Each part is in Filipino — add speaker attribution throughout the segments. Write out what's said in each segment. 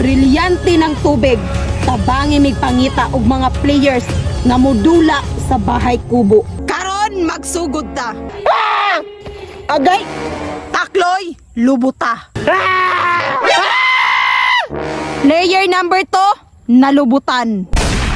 Speaker 1: Brilyante ng tubig, tabangi mig pangita og mga players nga modula sa bahay kubo. Karon magsugod ta.
Speaker 2: Agay!
Speaker 1: Takloy, lubuta. Player number 2, nalubutan.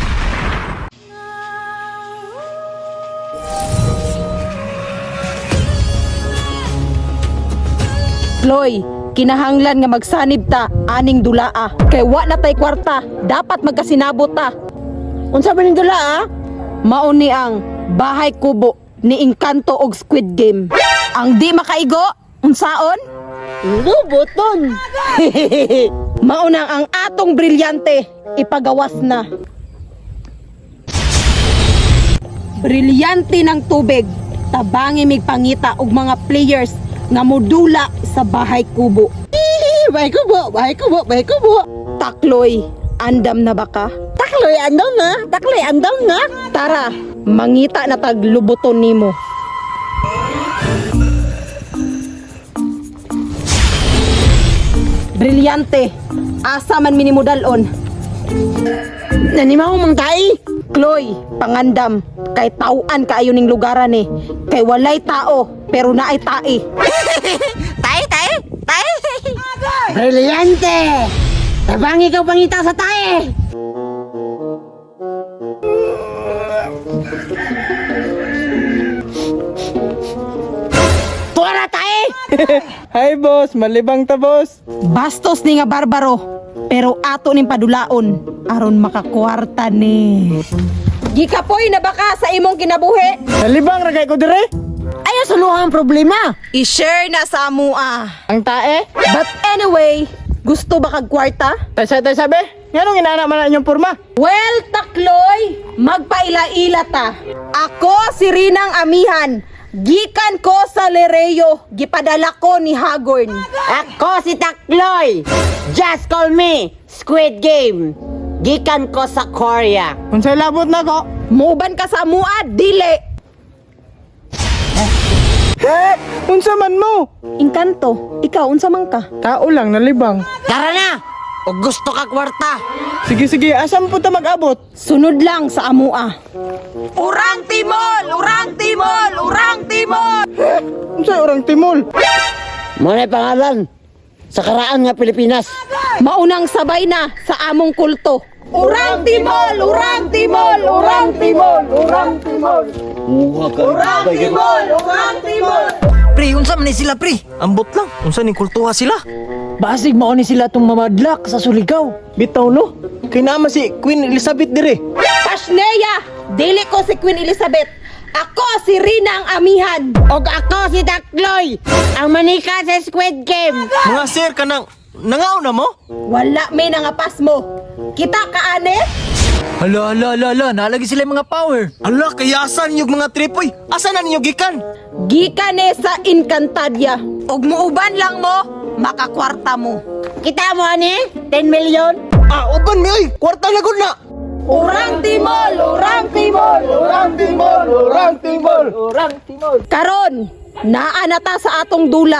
Speaker 1: Chloe, kinahanglan nga magsanib ta aning dulaa. Kay wa na tay kwarta, dapat magkasinabot ta.
Speaker 2: Unsa ba ning dula?
Speaker 1: Mao ni ang bahay kubo ni Encanto og Squid Game. Ang di makaigo, unsaon?
Speaker 2: Lubuton!
Speaker 1: Mao na ang atong brilyante, ipagawas na. Brilyante ng tubig, tabangi mig pangita og mga players nga modula sa bahay kubo.
Speaker 2: Bahay kubo, bahay kubo, bahay kubo.
Speaker 1: Takloy, andam na ba ka?
Speaker 2: Takloy andaw na, takloy andaw na.
Speaker 1: Tara, mangita na tag lubuton nimo. Brilyante, asa man minimudalon.
Speaker 2: Nanimaw mang tay?
Speaker 1: Chloe, pangandam, kay tauan kaayo ning lugaran eh. Kay walay tao, pero naay tae.
Speaker 2: Tay, tay, tay. Brilyante! Tabang ikaw pangita sa tae. Tuwara tae!
Speaker 3: Hi boss, malibang ta boss.
Speaker 1: Bastos ni nga barbaro, pero ato ning padulaon aron makakwarta ni. Gikapoy na baka sa imong kinabuhi.
Speaker 3: Malibang ragay ko dire.
Speaker 2: Ayaw suluhan ang problema.
Speaker 1: I-share na sa amua.
Speaker 3: Ang tae?
Speaker 1: But anyway, gusto ba kag kwarta?
Speaker 3: Tay sabi? Nganong inana man na inyong porma?
Speaker 1: Well, Takloy, magpaila-ila ta. Ako si Rinang Amihan. Gikan ko sa Lereo, gipadala ko ni Hagorn.
Speaker 2: Ako si Takloy. Just call me Squid Game. Gikan ko sa Korea.
Speaker 3: Unsay labot na ko?
Speaker 1: Muban ka sa amua, dili.
Speaker 3: Unsa man mo?
Speaker 1: Encanto, ikaw unsa man ka?
Speaker 3: Tao lang nalibang.
Speaker 2: Tara na! O gusto ka kwarta?
Speaker 3: Sige, asam po ta mag-abot?
Speaker 1: Sunod lang sa amua. Urang Timol! Urang Timol! Urang Timol!
Speaker 3: Unsay orang timol?
Speaker 2: Muna pangalan sa karaan nga Pilipinas.
Speaker 1: Maunang sabay na sa among kulto. Urang Timol! Urang Timol! Urang Timol! Urang Timol! Urang Timol! Urang Timol!
Speaker 4: Pre, unsa man ni sila pre? Ambot lang. Unsa ning kultuha sila?
Speaker 3: Basig mao ni sila tong mamadlak sa Surigao. Bitaw no? Kay naman si Queen Elizabeth dire.
Speaker 1: Pasneya! Dili ko si Queen Elizabeth. Ako si Rina ang Amihan.
Speaker 2: O ako si Takloy, ang manika sa Squid Game.
Speaker 4: Mga sir kanang nangaw na mo?
Speaker 1: Wala may nangapas mo. Kita ka ane?
Speaker 4: Hala, nalagi sila yung mga power. Hala, kaya asa ninyo mga tripoy? Asa na ninyo gikan?
Speaker 1: Gikane sa Encantadia. Og muuban lang mo, makakwarta mo.
Speaker 2: Kita mo ani? 10 million?
Speaker 4: Uban mi oy, kwarta na gud na.
Speaker 1: Urang Timol! Urang Timol!
Speaker 3: Orang timol, orang timol, orang timol.
Speaker 1: Karon, naanata sa atong dula.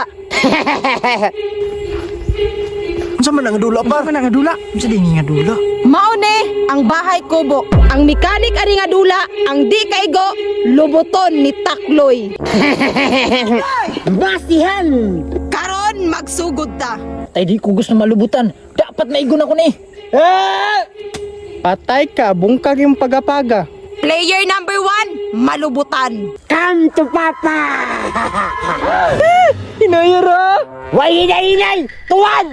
Speaker 4: Unsa man ang dula par? Unsa man ang dula? Unsa din nga dula?
Speaker 1: Maune ang bahay kubo. Ang mekanik ani nga dula, ang di kaigo, lubuton ni Takloy.
Speaker 2: Basihan!
Speaker 1: Karon magsugod ta.
Speaker 3: Tay di ko gusto malubutan. Dapat maigon ako ni. Patay ka, bungkag yung pagapaga.
Speaker 1: Player number 1, malubutan.
Speaker 2: Come to Papa!
Speaker 3: Hinayara!
Speaker 2: Way inay! Tuwan!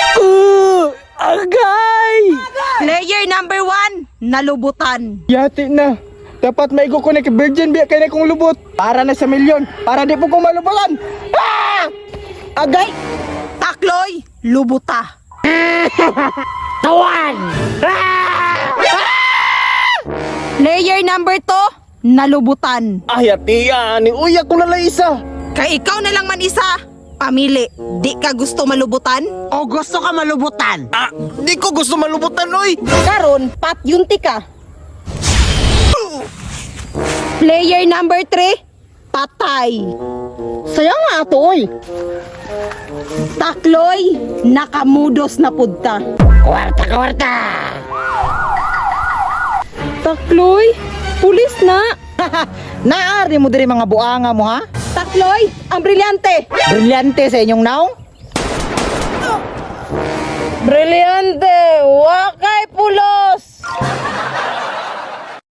Speaker 3: Agay!
Speaker 1: Player number 1, nalubutan.
Speaker 3: Yati na. Dapat maigo ko na kay Virgin biya kay na kong lubot. Para na sa milyon. Para di po ko malubutan. Agay!
Speaker 1: Takloy, lubuta.
Speaker 2: Tuwan!
Speaker 1: Player number 2, nalubutan.
Speaker 3: Ay, atiya. Ni uya ko na lang isa.
Speaker 1: Kay ikaw na lang man isa. Pamili, di ka gusto malubutan?
Speaker 2: O gusto ka malubutan?
Speaker 4: Di ko gusto malubutan oy.
Speaker 1: Karon, pat yunti ka. Player number 3, patay.
Speaker 2: Sayang nga ato oy.
Speaker 1: Takloy, nakamudos na pudta.
Speaker 2: Kwarta!
Speaker 1: Takloy, pulis na.
Speaker 3: Naari mo diri mga buanga mo ha?
Speaker 1: Takloy, ang brilyante.
Speaker 3: Brilyante sa inyong naong?
Speaker 1: Brilyante.